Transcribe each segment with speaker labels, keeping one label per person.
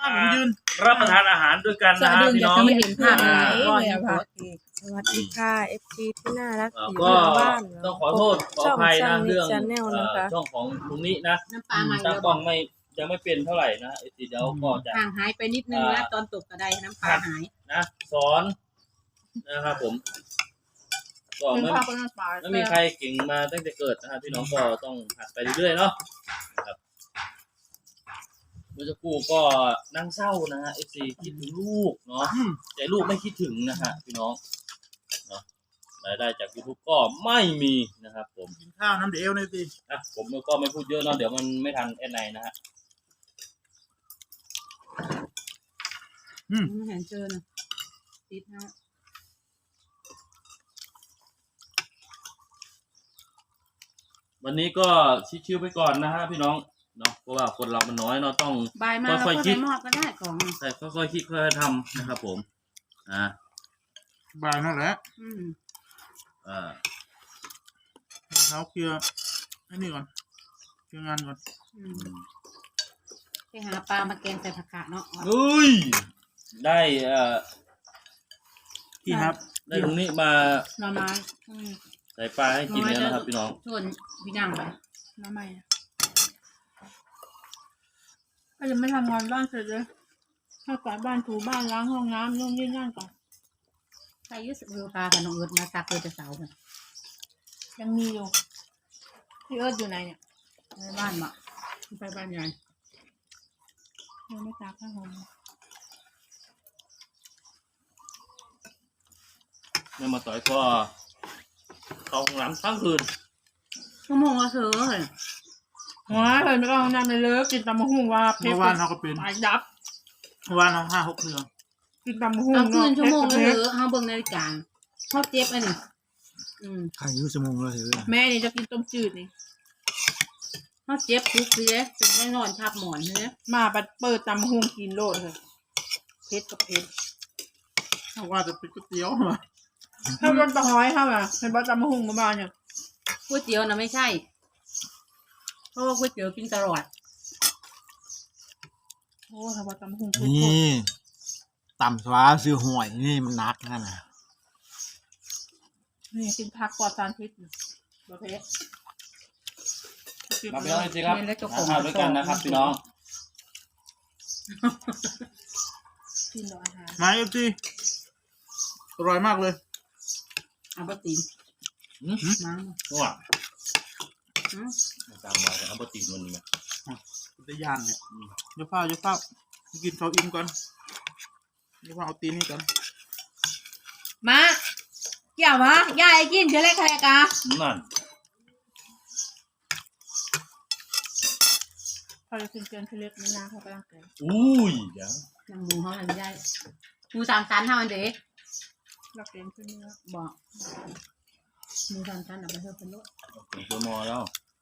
Speaker 1: ผมยืน
Speaker 2: รับประทานอาหารด้วยกันนะพี่น้อง
Speaker 3: ไม่เห็นภาพอะไรเลยค่ะ
Speaker 4: สวัสดีค่ะ FC ที่น่ารักอยู่
Speaker 2: ก็
Speaker 4: ทางบ้าน
Speaker 2: ต้องขอโทษขออภัยนะเรื่อง
Speaker 4: Channel นะคะ
Speaker 2: ช่องของลุงนี้นะ
Speaker 3: น้ำปลาใหม่
Speaker 2: ตั้ง
Speaker 3: เรา
Speaker 2: กล้องไม่ยังไม่เป็นเท่าไหร่นะเดี๋ยวก็จะ
Speaker 3: ห่างหายไปนิดนึงนะตอนตกกระไดน้ำปลาหาย
Speaker 2: นะสอนนะครับผมก็ไม่มีใครเก่งมาตั้งแต่เกิดนะครับพี่น้องก็ต้องหัดไปเรื่อยๆเนาะครับเมื่อสักครู่ก็นั่งเศร้านะฮะ FC คิดถึงลูกเนาะแต่ลูกไม่คิดถึงนะฮะพี่น้องเนาะรายได้จาก YouTube ก็ไม่มีนะครับผม
Speaker 1: กินข้าวน้ำเดี๋ยวนี่สิ
Speaker 2: อ่ะผมก็ไม่พูดเยอะเนาะเดี๋ยวมันไม่ทันแอดไนนะฮะ
Speaker 3: ไม่เห็นเจอนะติดนะ
Speaker 2: วันนี้ก็ชิวๆไปก่อนนะฮะพี่น้องเนาะเพราะว่าคนเรามันน้อยเนาะต้อง
Speaker 3: บายมาเราก็ใส่หม้อก็ได้ของ
Speaker 2: แต่ค่อยๆคิดค่อยๆทำนะครับผม
Speaker 1: บ่ายนั่นแหละ เขาเคลียร์ไอ้นี่ก่อนเคลียร์งานก่อน
Speaker 3: ไปหาปลามาแกงใส่ผักกาดเนาะ
Speaker 2: อุ้ยได้
Speaker 1: พี่ครับ
Speaker 2: ได้ตรงนี้มา
Speaker 3: หน่อไม้
Speaker 2: ใส่ปลาให้กินแล้วนะครับพี่น้อง
Speaker 3: ชวนพี่นั่งไป
Speaker 4: น้ำใหม่ก็ยังไม่ทำงานบ้านเสร็จเลยถ้ากวาดบ้านถูบ้านล้างห้องน้ำนู่นนี่นั่นก่อน
Speaker 3: ใครยืดมือปลากับน้องเอิร์ดมาตักเลยจะเสากัน
Speaker 4: ยังมีอยู่พี่เอิร์ธอยู่ไหนเนี่ย
Speaker 3: ในบ้านมาไปบ้านใหญ่
Speaker 4: ยังไม่ตากข้าวหอม
Speaker 2: แม่มาต่อยก็เข้าห้องน้ำทั้งคืน
Speaker 3: ชั่วโมงละเธอเลย
Speaker 4: ว้าเลยไม่ต้องเอาน้ำเลยเลยกินตำมะฮุ่งว่าเพช
Speaker 1: เมื่
Speaker 4: ร
Speaker 1: อวานเขาก็เป็น
Speaker 4: ตายยับ
Speaker 1: เมื่อวานเขา5-6เครื่อง
Speaker 4: กินตำมะฮุ่ง
Speaker 3: เอาคืนชั่วโมงละ
Speaker 4: เพ
Speaker 3: เธ
Speaker 4: ชร
Speaker 3: อเขาเบิ่งนาฬิกาเขาเจ็บอันนี้
Speaker 1: ใครยุ่งชั่วโมงแล้วเหรอ
Speaker 4: แม่นี่จะกินต้มจืดนี่
Speaker 3: เขาเจ็บทุกทีเลยถึงได้นอนทับหมอนเลย
Speaker 4: มาบัดเปิดตำมะฮุ่งกินโลดเลยเพชรกับเพชร
Speaker 1: เขาว่าจะเป็นก๋วยเตี๋ยวมา
Speaker 4: ถ้าโดนตะหอยเข้ามาเป็นบัดตำมะฮุ่งมาบ้านเนี่ย
Speaker 3: ก๋วยเตี๋ยวนะไม่ใช่เพราะว่าก๋วยเตี๋ยวกินตลอด
Speaker 4: โอ้ถ้าบัดตำมะฮุ่ง
Speaker 5: นี่ต่ำสวาซื้อหวยนี่มันนักนั่นนะ
Speaker 4: นี่กินผักปลอดสารพิษประเภท
Speaker 2: มาพี่น้องจริงๆครับทานข้าวด้วยกันนะครับพี่น้อง
Speaker 4: กินรออาหาร
Speaker 1: มาสิอร่อยมากเลย
Speaker 3: เอาปตีนมา
Speaker 2: ว้าตามมาเอาปกติมันนี่
Speaker 1: ได้ยานเนี่ยเดี๋ยวเฝ้ากินข้าวอิ่มก่อนเดี๋ยวเอาตีนนี่ก่อน
Speaker 4: มาเกี่ยวมะยายกินเชื่ออะไรใครกะ
Speaker 2: นั่น
Speaker 4: พอจะกินเกินเล็กไม่นานเขาไปร่างกาย
Speaker 2: อุ้ยเดี๋ยว
Speaker 3: น้ำมูเขาอะไรไม่ได้มูสามชั้นเท่านั้นเด้
Speaker 4: รักเรียนขึ้นเนื้อ
Speaker 3: บอกมูสามชั้นเอาไปเพิ่มเป็นรถ
Speaker 2: ถึงตัวมอแล้ว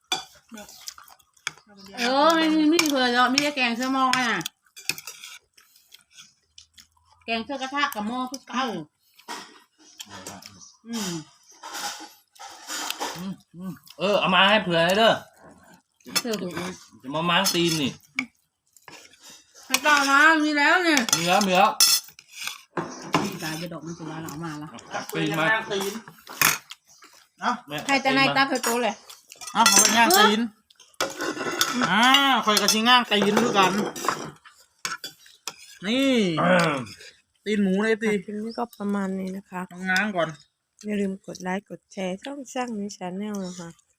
Speaker 3: ไม่เผื่อเราไม่ได้แกงเสื้อหม้อน่ะแกงเสื้อกระทะกับหม้อคือเก่า
Speaker 2: เอามาให้เผื่อให้เด้อ
Speaker 3: เสื้อถูก
Speaker 2: จะมาม้างตีนนี่
Speaker 4: ให้ต่อนะมีแล้วเนี่ย
Speaker 2: มีแล้วมีแล้ว
Speaker 3: มีกายจะดอกมันจะว่าเรามาละ
Speaker 2: จับตีนมา
Speaker 1: ตีนเอ้า
Speaker 4: ใครจะในตาเคยโตเลย
Speaker 1: เอาไปย่างตีนคอยกระชิงง่างตีนด้วยกัน นี่ตีนหมูเลยตี
Speaker 4: คลิปนี้ก็ประมาณนี้นะคะ
Speaker 1: ง้างก่อน
Speaker 4: อย่าลืมกดไลค์กดแชร์ช่องนี้ชาแนลนะคะ